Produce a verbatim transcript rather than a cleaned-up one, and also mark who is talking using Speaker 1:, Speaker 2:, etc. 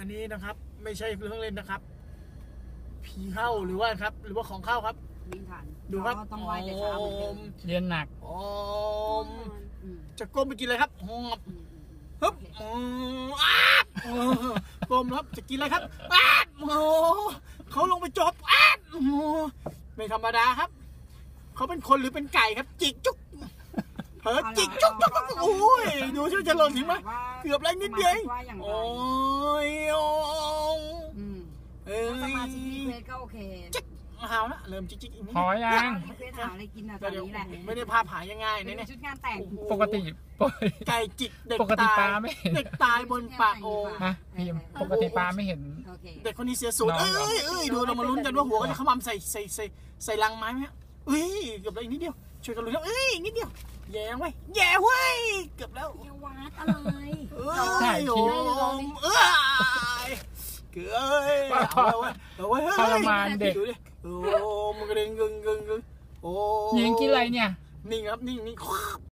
Speaker 1: อันนี้นะครับไม่ใช่เรื่องเล่นนะครับผีเข้าหรือว่าครับหรือว่าของเข้าครับ
Speaker 2: วิ่งทัน
Speaker 1: ดูครับ
Speaker 2: ต้องไหว้แต่เช้าเหมือนเดิม
Speaker 3: เรียนหนัก
Speaker 1: โอมจะก้มไปกินอะไรครับหอบฮึบอ้าบก้มครับจะกินอะไรครับอ้าบโอ้เขาลงไปจบอ้าบโอ้ไม่ธรรมดาครับเขาเป็นคนหรือเป็นไก่ครับจิกจุ๊กเพิร์จิกจุ๊กจุ๊กโอ้ยดูช่วยจะหล่นถึงไหมเกือบไรนิดเดียวโอ้ยโอ้เอ้ย
Speaker 2: สมาชิกรีเควสก็โอเค
Speaker 1: จิ๊กหาวนะเริ่มจิ๊กจิ๊ก
Speaker 3: พอยัง
Speaker 2: รีเควสหาอะไรกินอ่ะตอนนี้แหละ
Speaker 1: ไม่ได้พาผายง่ายๆเนี่ย
Speaker 2: ชุดงานแต่ง
Speaker 3: ปกติ
Speaker 1: ไก่จิกเด็ก
Speaker 3: ตาย
Speaker 1: เด็กตายบนปากโอ่ง
Speaker 3: ฮะพี่ปกติปลาไม่เห็น
Speaker 1: เด็กคนนี้เสียสูตรเอ้ยเอ้ยดูเรามาลุ้นกันว่าหัวเขาจะขมำใส่ใส่ใส่ใส่ลังไม้ไหมเอ้ยเกือบแล้วอีกนิดเดียวช่วยกันลุ้นครับเอ้ยนิดเดียวแย่ไว้แย่ไว้เกือบแล้ว
Speaker 2: อย่าวัดอะไร
Speaker 1: เอ้ยโอ้ยเอ้ยเกือบเอาไว้เอาไว้
Speaker 3: ทรมานเด็ก
Speaker 1: โอ้มันกระเด็นกึ่งกึ่งกึ่งโอ้
Speaker 3: ยิงกินอะไรเนี่ย
Speaker 1: นิ่งครับนิ่งนิ่ง